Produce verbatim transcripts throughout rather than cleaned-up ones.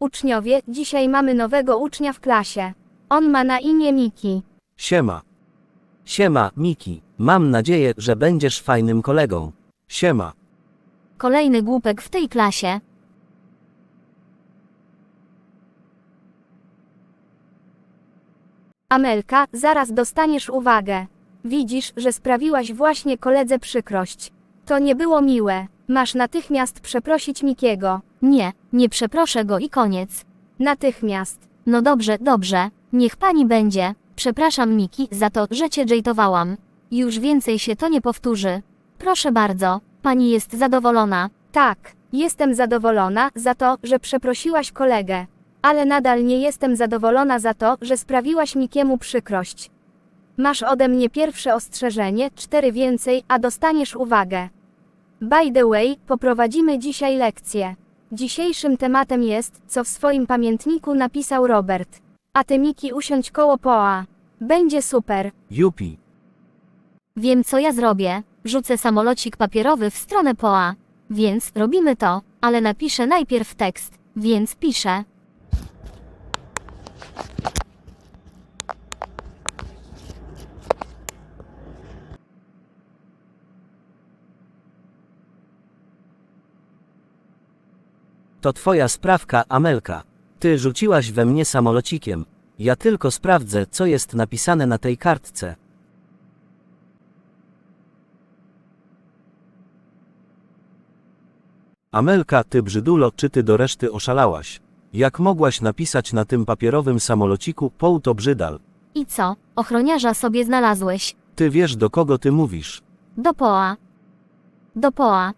Uczniowie, dzisiaj mamy nowego ucznia w klasie. On ma na imię Miki. Siema. Siema, Miki. Mam nadzieję, że będziesz fajnym kolegą. Siema. Kolejny głupek w tej klasie. Amelka, zaraz dostaniesz uwagę. Widzisz, że sprawiłaś właśnie koledze przykrość. To nie było miłe. Masz natychmiast przeprosić Mikiego. Nie, nie przeproszę go i koniec. Natychmiast. No dobrze, dobrze. Niech pani będzie. Przepraszam Miki za to, że cię jejtowałam. Już więcej się to nie powtórzy. Proszę bardzo, pani jest zadowolona. Tak, jestem zadowolona za to, że przeprosiłaś kolegę. Ale nadal nie jestem zadowolona za to, że sprawiłaś Mikiemu przykrość. Masz ode mnie pierwsze ostrzeżenie, cztery więcej, a dostaniesz uwagę. By the way, poprowadzimy dzisiaj lekcję. Dzisiejszym tematem jest, co w swoim pamiętniku napisał Robert. A ty Miki usiądź koło Poa. Będzie super. Jupi. Wiem co ja zrobię. Rzucę samolocik papierowy w stronę Poa. Więc robimy to, ale napiszę najpierw tekst, więc piszę. To twoja sprawka, Amelka. Ty rzuciłaś we mnie samolocikiem. Ja tylko sprawdzę, co jest napisane na tej kartce. Amelka, ty brzydulo, czy ty do reszty oszalałaś? Jak mogłaś napisać na tym papierowym samolociku Poł to brzydal? I co? Ochroniarza sobie znalazłeś. Ty wiesz, do kogo ty mówisz. Do Poa. Do Poa.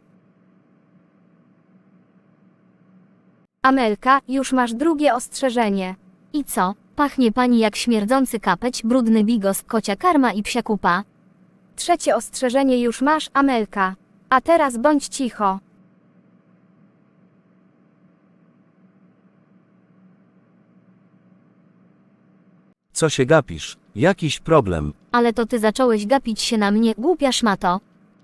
Amelka, już masz drugie ostrzeżenie. I co? Pachnie pani jak śmierdzący kapeć, brudny bigos, kocia karma i psia kupa. Trzecie ostrzeżenie już masz, Amelka. A teraz bądź cicho. Co się gapisz? Jakiś problem. Ale to ty zacząłeś gapić się na mnie, głupia szmato.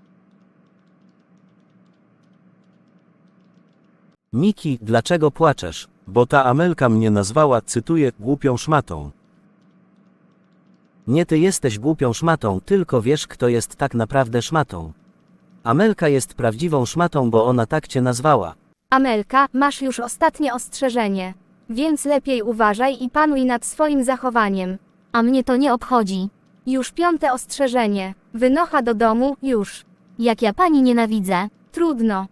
Miki, dlaczego płaczesz? Bo ta Amelka mnie nazwała, cytuję, głupią szmatą. Nie ty jesteś głupią szmatą, tylko wiesz, kto jest tak naprawdę szmatą. Amelka jest prawdziwą szmatą, bo ona tak cię nazwała. Amelka, masz już ostatnie ostrzeżenie. Więc lepiej uważaj i panuj nad swoim zachowaniem. A mnie to nie obchodzi. Już piąte ostrzeżenie. Wynocha do domu, już. Jak ja pani nienawidzę. Trudno.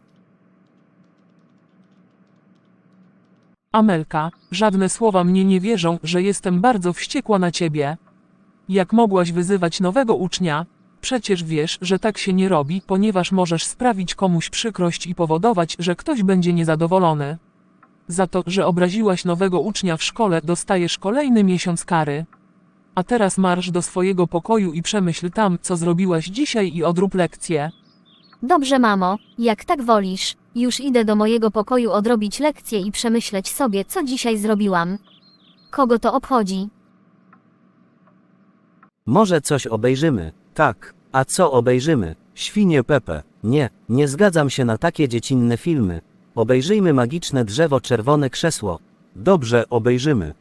Amelka, żadne słowa mnie nie wierzą, że jestem bardzo wściekła na ciebie. Jak mogłaś wyzywać nowego ucznia? Przecież wiesz, że tak się nie robi, ponieważ możesz sprawić komuś przykrość i powodować, że ktoś będzie niezadowolony. Za to, że obraziłaś nowego ucznia w szkole, dostajesz kolejny miesiąc kary. A teraz marsz do swojego pokoju i przemyśl tam, co zrobiłaś dzisiaj i odrób lekcję. Dobrze mamo, jak tak wolisz. Już idę do mojego pokoju odrobić lekcję i przemyśleć sobie, co dzisiaj zrobiłam. Kogo to obchodzi? Może coś obejrzymy? Tak. A co obejrzymy? Świnie Pepe. Nie, nie zgadzam się na takie dziecinne filmy. Obejrzyjmy Magiczne drzewo, czerwone krzesło. Dobrze, obejrzymy.